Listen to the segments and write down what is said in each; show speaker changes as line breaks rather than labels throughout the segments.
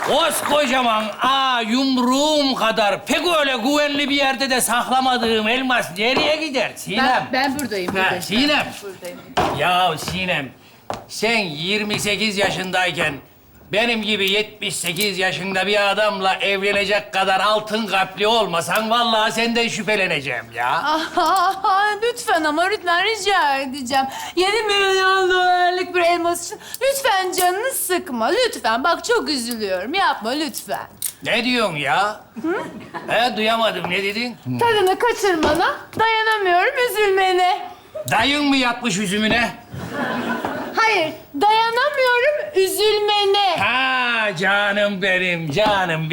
Koskocaman yumruğum kadar pek öyle güvenli bir yerde de saklamadığım elmas nereye gider Sinem?
Ben buradayım.
Ha, Sinem.
Buradayım.
Ya Sinem, sen 28 yaşındayken benim gibi 78 yaşında bir adamla evlenecek kadar altın kalpli olmasan vallahi senden şüpheleneceğim ya.
Aha, lütfen ama lütfen rica edeceğim. 7 milyon dolarlık bir elmas için lütfen canını sıkma. Lütfen bak çok üzülüyorum. Yapma lütfen.
Ne diyorsun ya? Duyamadım. Ne dedin?
Tadını kaçırmana dayanamıyorum üzülmene.
Dayın mı yatmış üzümüne?
Hayır, dayanamıyorum üzülmene.
Ha canım benim, canım.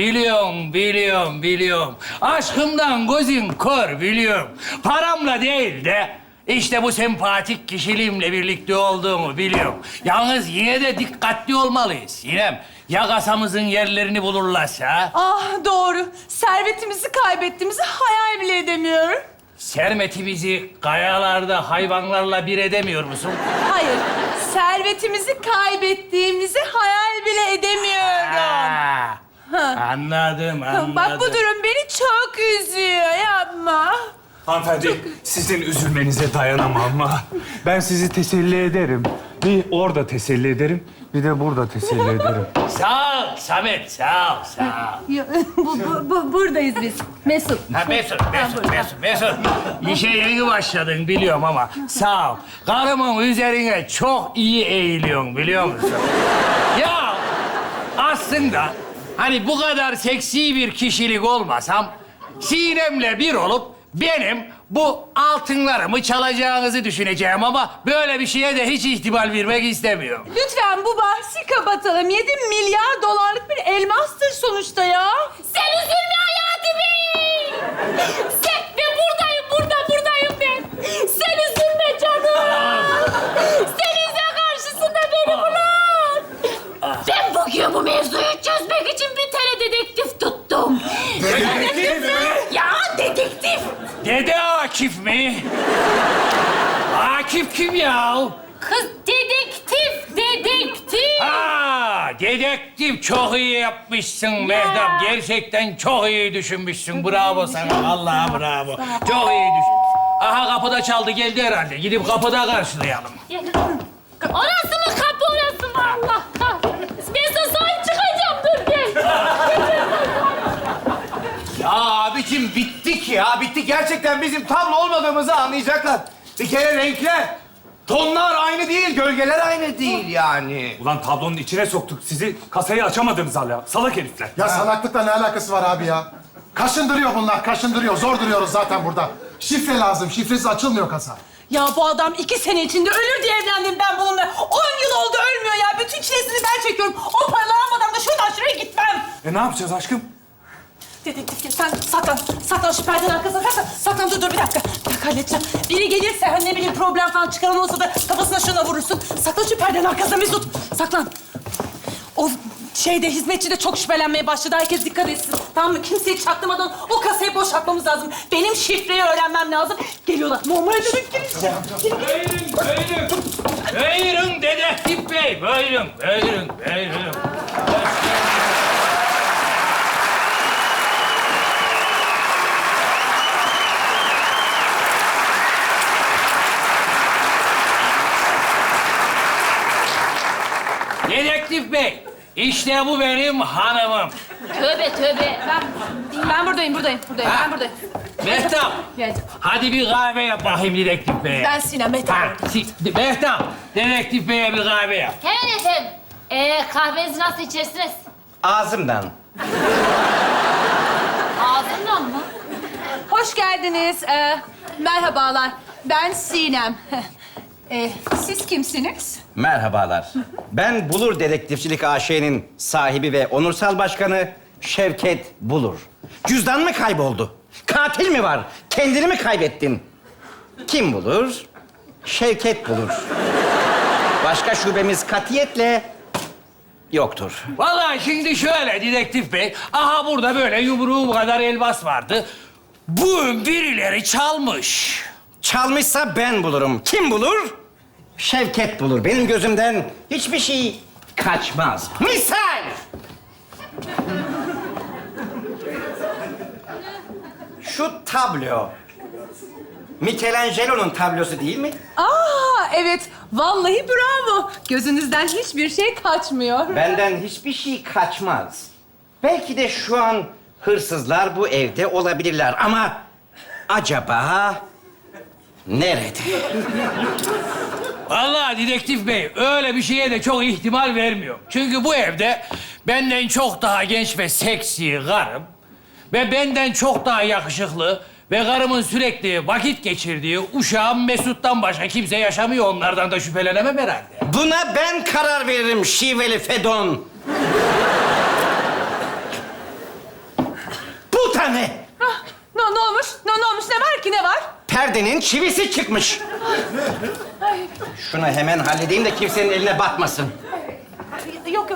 Biliyorum. Aşkımdan gözün kör biliyorum. Paramla değil de işte bu sempatik kişiliğimle birlikte olduğumu biliyorum. Yalnız yine de dikkatli olmalıyız Sinem. Ya kasamızın yerlerini bulurlarsa?
Ah doğru. Servetimizi kaybettiğimizi hayal bile edemiyorum.
Sermetimizi kayalarda hayvanlarla bir edemiyor musun?
Hayır, servetimizi kaybettiğimizi hayal bile edemiyorum.
Anladım.
Bak bu durum beni çok üzüyor. Yapma.
Hanımefendi, sizin üzülmenize dayanamam ama ben sizi teselli ederim. Bir orada teselli ederim, bir de burada teselli ederim.
Sağ ol Samet, sağ ol.
Buradayız biz. Mesut.
Ha Mesut. İşe yeni başladın biliyorum ama sağ ol. Karımın üzerine çok iyi eğiliyorsun biliyor musun? Ya aslında hani bu kadar seksi bir kişilik olmasam Sinem'le bir olup benim bu altınlarımı çalacağınızı düşüneceğim ama böyle bir şeye de hiç ihtimal vermek istemiyorum.
Lütfen bu bahsi kapatalım. 7 milyar dolarlık bir elmastır sonuçta ya.
Sen üzülme Hayati Bey. Ben buradayım ben. Sen üzülme canım. Senin karşısında beni bulan. Ben bugün bu mevzuyu çözmek için bir tane dedektif tuttum.
Dedektif mi?
Ya dedektif.
Dede Akif mi? Akif kim ya?
Kız dedektif.
Dedektif çok iyi yapmışsın Mehtap. Gerçekten çok iyi düşünmüşsün. Bravo sana. Vallahi bravo. Çok iyi düşün. Aha kapıda çaldı geldi herhalde. Gidip kapıda karşılayalım.
Orası mı kapı orası mı Allah kahretsin. Ben sana sahip çıkacağım dur gel.
Ya abicim bittik ya. Bittik. Gerçekten bizim tablo olmadığımızı anlayacaklar. Bir kere renkler, tonlar aynı değil, gölgeler aynı değil yani.
Ulan tablonun içine soktuk sizi, kasayı açamadınız hala. Salak herifler.
Ya salaklıkla ne alakası var abi ya? Kaşındırıyor bunlar, kaşındırıyor. Zor duruyoruz zaten burada. Şifre lazım, şifresiz açılmıyor kasa.
Ya bu adam 2 sene içinde ölür diye evlendim ben bununla. 10 yıl oldu ölmüyor ya. Bütün çilesini ben çekiyorum. O paraları almadan da şuradan şuraya gitmem.
Ne yapacağız aşkım?
Dedektif gel sen saklan. Saklan şu perdenin arkasına saklan. Saklan dur bir dakika. Bir dakika halledeceğim. Biri gelirse hani ne bileyim problem falan çıkaran olsa da kafasına şuna vurursun. Saklan şu perdenin arkasına Mesut. Saklan. O hizmetçi de çok şüphelenmeye başladı. Herkes dikkat etsin. Tamam mı? Kimseyi çaktırmadan o kasayı boşaltmamız lazım. Benim şifreyi öğrenmem lazım. Geliyorlar. Normal demek gireceğim.
Buyurun dedektif bey. Buyurun. Dedektif bey, işte bu benim hanımım.
Tövbe.
Ben buradayım. Ben buradayım.
Mehtap,
Geldim.
hadi bir kahve yap bakayım dedektif beye.
Ben Sinem Mehtap.
Mehtap, dedektif beye bir kahve yap.
Hemen efendim. Kahvenizi nasıl içersiniz?
Ağzımdan.
Ağzından mı?
Hoş geldiniz. Merhabalar. Ben Sinem. Siz kimsiniz?
Merhabalar. Ben Bulur Dedektifçilik AŞ'nin sahibi ve onursal başkanı Şevket Bulur. Cüzdan mı kayboldu? Katil mi var? Kendini mi kaybettin? Kim bulur? Şevket Bulur. Başka şubemiz katiyetle yoktur.
Vallahi şimdi şöyle dedektif bey, aha burada böyle yumruğum kadar elmas vardı. Bu birileri çalmış.
Çalmışsa ben bulurum. Kim bulur? Şevket bulur. Benim gözümden hiçbir şey kaçmaz. Misal! şu tablo Michelangelo'nun tablosu değil mi?
Aa evet, vallahi bravo. Gözünüzden hiçbir şey kaçmıyor.
Benden hiçbir şey kaçmaz. Belki de şu an hırsızlar bu evde olabilirler ama acaba nerede?
Vallahi dedektif bey öyle bir şeye de çok ihtimal vermiyor. Çünkü bu evde benden çok daha genç ve seksi karım ve benden çok daha yakışıklı ve karımın sürekli vakit geçirdiği uşağım Mesut'tan başka kimse yaşamıyor. Onlardan da şüphelenemem herhalde.
Buna ben karar veririm şiveli Fedon. Bu da ne?
Ne olmuş? Ne olmuş? Ne var ki, ne var?
Perdenin çivisi çıkmış. Şunu hemen halledeyim de kimsenin eline batmasın.
Yok.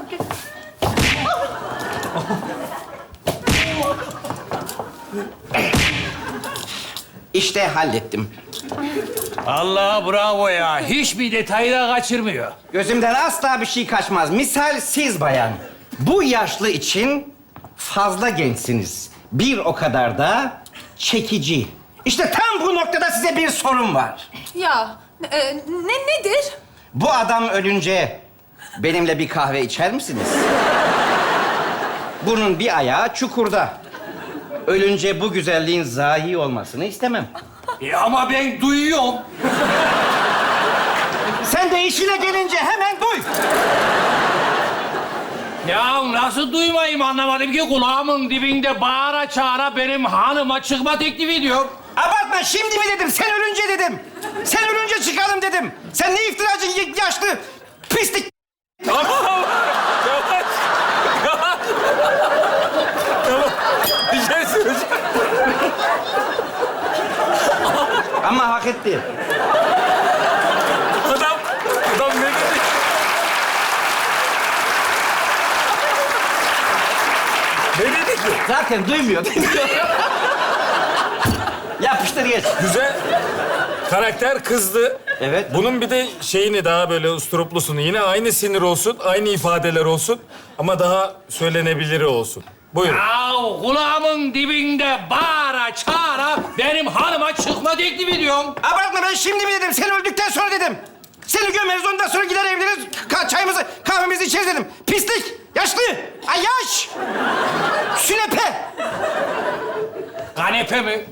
İşte hallettim.
Allah bravo ya. Hiçbir detayı da kaçırmıyor.
Gözümden asla bir şey kaçmaz. Misal siz bayan, bu yaşlı için fazla gençsiniz. Bir o kadar da çekici. İşte tam bu noktada size bir sorum var.
Ya, nedir?
Bu adam ölünce benimle bir kahve içer misiniz? Bunun bir ayağı çukurda. Ölünce bu güzelliğin zahi olmasını istemem.
Ama ben duyuyorum.
Sen de işine gelince hemen duy.
Ya nasıl duymayayım anlamadım ki kulağımın dibinde bağıra çağıra benim hanıma çıkma teklifi ediyor.
Abartma, şimdi mi dedim, sen ölünce dedim. Sen ölünce çıkalım dedim. Sen ne iftiracı yaşlı pislik.
Tamam. Yavaş. Tamam. Bir şey söyleyeceğim.
Ama hak etti.
Adam ne dedi? Ne dedi ki?
Zaten duymuyor. Yapıştır geç.
Güzel. Karakter kızdı.
Evet.
Bunun bir de şeyini daha böyle usturuplusunu. Yine aynı sinir olsun, aynı ifadeler olsun. Ama daha söylenebiliri olsun. Buyurun.
Ya kulağımın dibinde bağıra çağıra benim hanıma çıkma teklifi ediyorum.
Abartma, ben şimdi mi dedim, sen öldükten sonra dedim. Seni gömeriz, ondan sonra gider evleniriz, çayımızı, kahvemizi içeriz dedim. Pislik, yaşlı, yaş, sünepe.
Kanepe mi?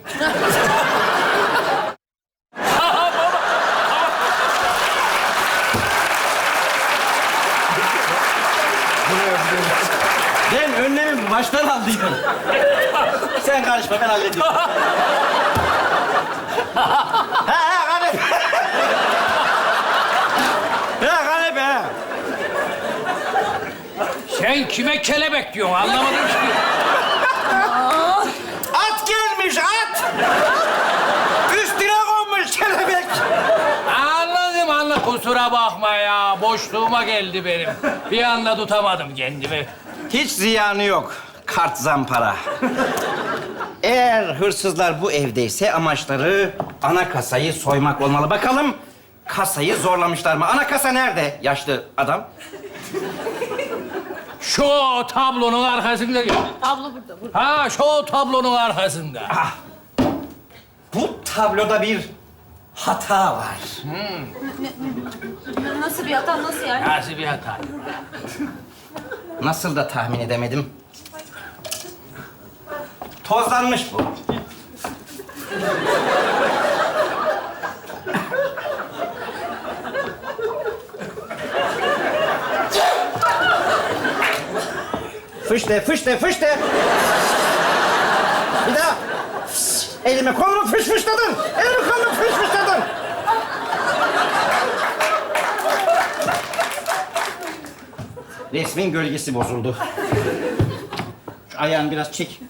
Ben önlemimi baştan aldıydım. Sen karışma, ben hallediyorum. ha, kanepe. Ha, kanepe, ha.
Sen kime kelebek diyorsun anlamadım ki.
At gelmiş, at! Üstüne konmuş kelebek.
Anladım. Kusura bakma ya. Boşluğuma geldi benim. Bir anda tutamadım kendimi.
Hiç ziyanı yok. Kart zampara. Eğer hırsızlar bu evdeyse amaçları ana kasayı soymak olmalı. Bakalım kasayı zorlamışlar mı? Ana kasa nerede yaşlı adam?
Şu tablonun arkasında.
Abla burada.
Ha şu tablonun arkasında.
Bu tabloda bir hata var.
Nasıl bir hata, nasıl yani?
Nasıl bir hata?
Nasıl da tahmin edemedim. Tozlanmış bu. Fışte, fışte, fışte. Bir daha. Elimi kolumu fışfışladın. Elimi kolumu fışfışladın. Resmin gölgesi bozuldu. Şu ayağını biraz çek.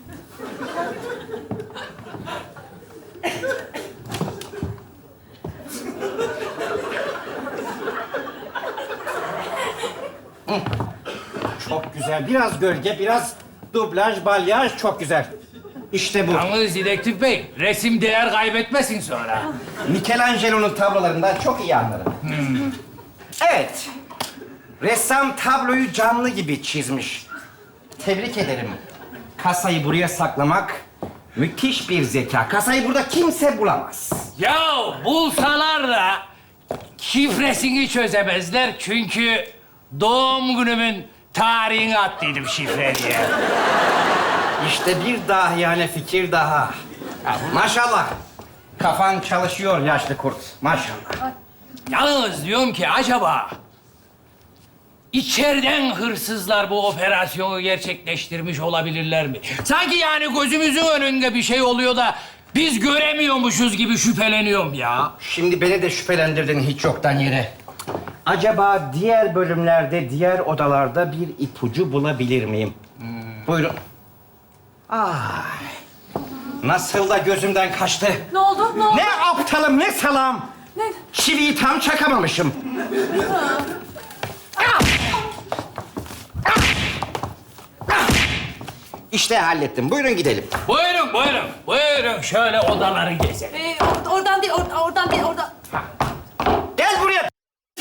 Çok güzel. Biraz gölge, biraz dublaj, balyaj. Çok güzel. İşte bu.
Yalnız dedektif bey, resim değer kaybetmesin sonra.
Michelangelo'nun tablolarından çok iyi anlarım. Evet. Ressam tabloyu canlı gibi çizmiş. Tebrik ederim. Kasayı buraya saklamak Müthiş bir zeka. Kasayı burada kimse bulamaz.
Ya bulsalar da şifresini çözemezler çünkü doğum günümün tarihini attıydım şifre diye.
İşte bir dahiyane fikir daha. Maşallah. Kafan çalışıyor yaşlı kurt. Maşallah.
Yalnız diyorum ki acaba içeriden hırsızlar bu operasyonu gerçekleştirmiş olabilirler mi? Sanki yani gözümüzün önünde bir şey oluyor da biz göremiyormuşuz gibi şüpheleniyorum ya.
Şimdi beni de şüphelendirdin hiç yoktan yere. Acaba diğer bölümlerde, diğer odalarda bir ipucu bulabilir miyim? Buyurun. Ay. Nasıl da gözümden kaçtı.
Ne oldu? Ne oldu?
Ne aptalım, ne salam.
Ne?
Çiviyi tam çakamamışım. Ah! Ah! Ah! İşte hallettim. Buyurun gidelim.
Buyurun, buyurun. Buyurun şöyle odaları gezelim.
Oradan değil, oradan değil, oradan.
Gel buraya.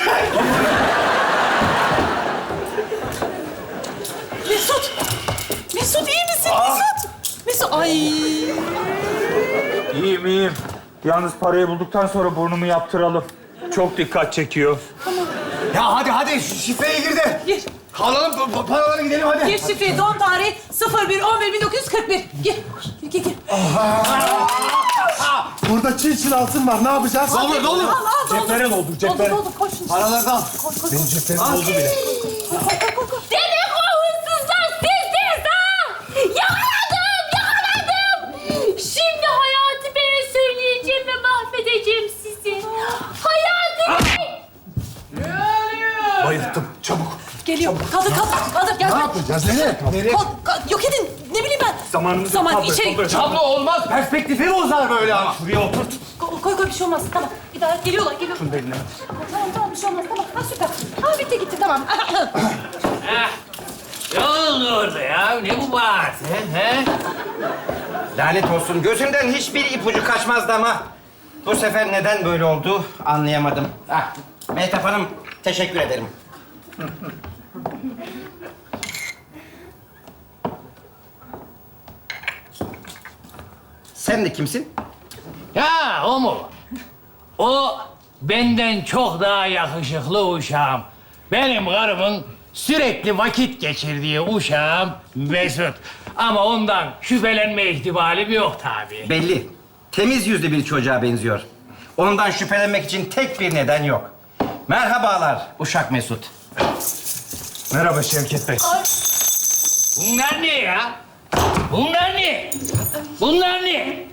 Mesut! Mesut iyi misin Mesut? Mesut, ay!
İyiyim, iyiyim. Yalnız parayı bulduktan sonra burnumu yaptıralım. Çok dikkat çekiyor.
Ya hadi şu şifreye gir de.
Gir.
Alalım paraları gidelim hadi.
Gir şifreyi, doğum tarihi 01-11-1941. Gir, gir.
Burada çil altın var. Ne yapacağız?
Ne olur ne olur.
Cepheren oldu, cepheren.
Oldu, koş şimdi.
Paraları da al.
Benim ceplerim oldu bile.
Demek o hırsızlar sizdiniz ha! Yakaladım! Şimdi Hayati Bey'e söyleyeceğim ve mahvedeceğim sizi. Hayati Bey!
Bayılttım. Çabuk.
Geliyor. Kaldır. Gel.
Ne yapacağız? Nereye?
Yok edin. Ne bileyim ben.
Zamanımızı
Zaman
kaldır,
içeri.
kaldır.
Tablo olmaz. Perspektifi bozar böyle ama.
Şuraya oturt.
Koy bir şey olmaz. Tamam. Bir daha geliyorlar. Tamam bir şey olmaz. Tamam. Ha süper. Ha bitti tamam.
Ne oldu orada ya? Ne bu bağırtı? He?
Lanet olsun. Gözümden hiçbir ipucu kaçmazdı ama... ...bu sefer neden böyle oldu anlayamadım. Ah, Mehtap Hanım, teşekkür ederim. Sen de kimsin?
Ya o mu? O benden çok daha yakışıklı uşağım. Benim karımın sürekli vakit geçirdiği uşağım Mesut. Ama ondan şüphelenme ihtimalim yok tabii.
Belli. Temiz yüzlü bir çocuğa benziyor. Ondan şüphelenmek için tek bir neden yok. Merhabalar Uşak Mesut.
Merhaba Şevket Bey.
Bunlar ne ya? Bunlar ne? Bunlar ne?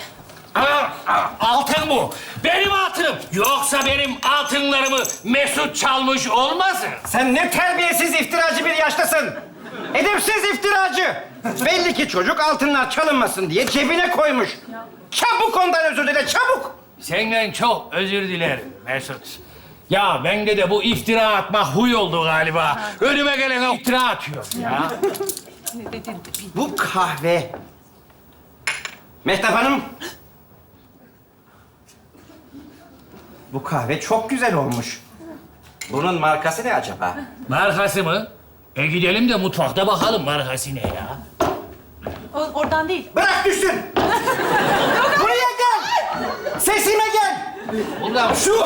Altın bu. Benim altınım. Yoksa benim altınlarımı Mesut çalmış olmasın?
Sen ne terbiyesiz iftiracı bir yaştasın. Edepsiz iftiracı. Belli ki çocuk altınlar çalınmasın diye cebine koymuş. Çabuk ondan özür dile, çabuk.
Senden çok özür dilerim Mesut. Ya bende de bu iftira atma huy oldu galiba. Önüme gelene iftira atıyor ya.
Bu kahve... Mehtap Hanım. Bu kahve çok güzel olmuş. Bunun markası ne acaba?
Markası mı? Gidelim de mutfakta bakalım markası ne ya.
Oradan değil.
Bırak düşsün. Buraya gel. Sesime gel.
Ulan
Şu...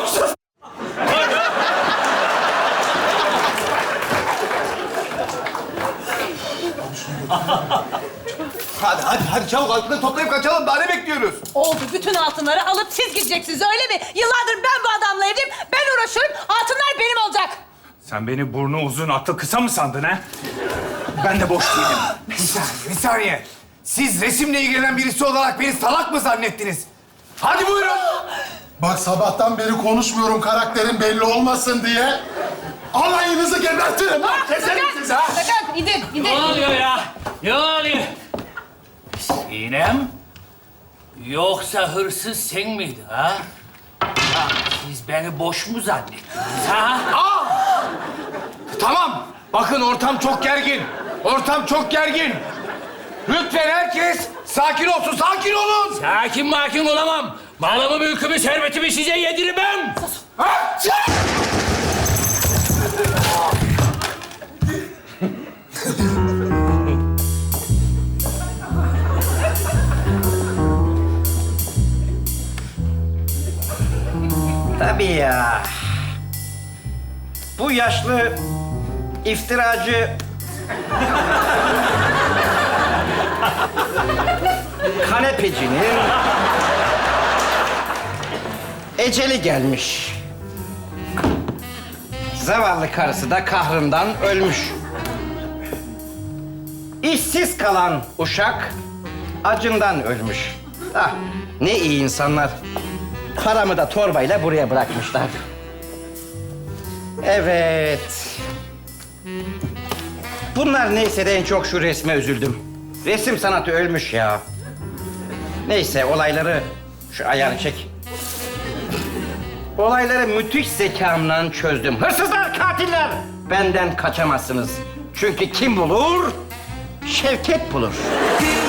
Hadi çabuk altını toplayıp kaçalım. Daha ne bekliyoruz?
Oldu. Bütün altınları alıp siz gideceksiniz öyle mi? Yıllardır ben bu adamla evliyim. Ben uğraşıyorum. Altınlar benim olacak.
Sen beni burnu uzun, aklı kısa mı sandın ha? Ben de boş değilim.
Bir saniye. Siz resimle ilgilenen birisi olarak beni salak mı zannettiniz? Hadi buyurun.
Bak sabahtan beri konuşmuyorum karakterin belli olmasın diye. Alayınızı gebertirim lan. Keserim sizi ha.
Sakın indir.
ne oluyor ya? Ne oluyor? Sinem? Yoksa hırsız sen miydin ha? Ya siz beni boş mu zannettiniz ha?
Tamam. Bakın ortam çok gergin. Ortam çok gergin. Lütfen herkes sakin olsun. Sakin olun.
Sakin makin olamam. Malımı, mülkümü, servetimi size yedirmem.
Ha,
Tabii ya. Bu yaşlı iftiracı kanepecinin eceli gelmiş. Zavallı karısı da kahrından ölmüş. İşsiz kalan uşak acından ölmüş. Ah, ne iyi insanlar. Paramı da torbayla buraya bırakmışlar. Evet. Bunlar neyse de en çok şu resme üzüldüm. Resim sanatı ölmüş ya. Neyse olayları... Şu ayarı çek. Olayları müthiş zekamla çözdüm. Hırsızlar, katiller! Benden kaçamazsınız. Çünkü kim bulur? Şevket bulur.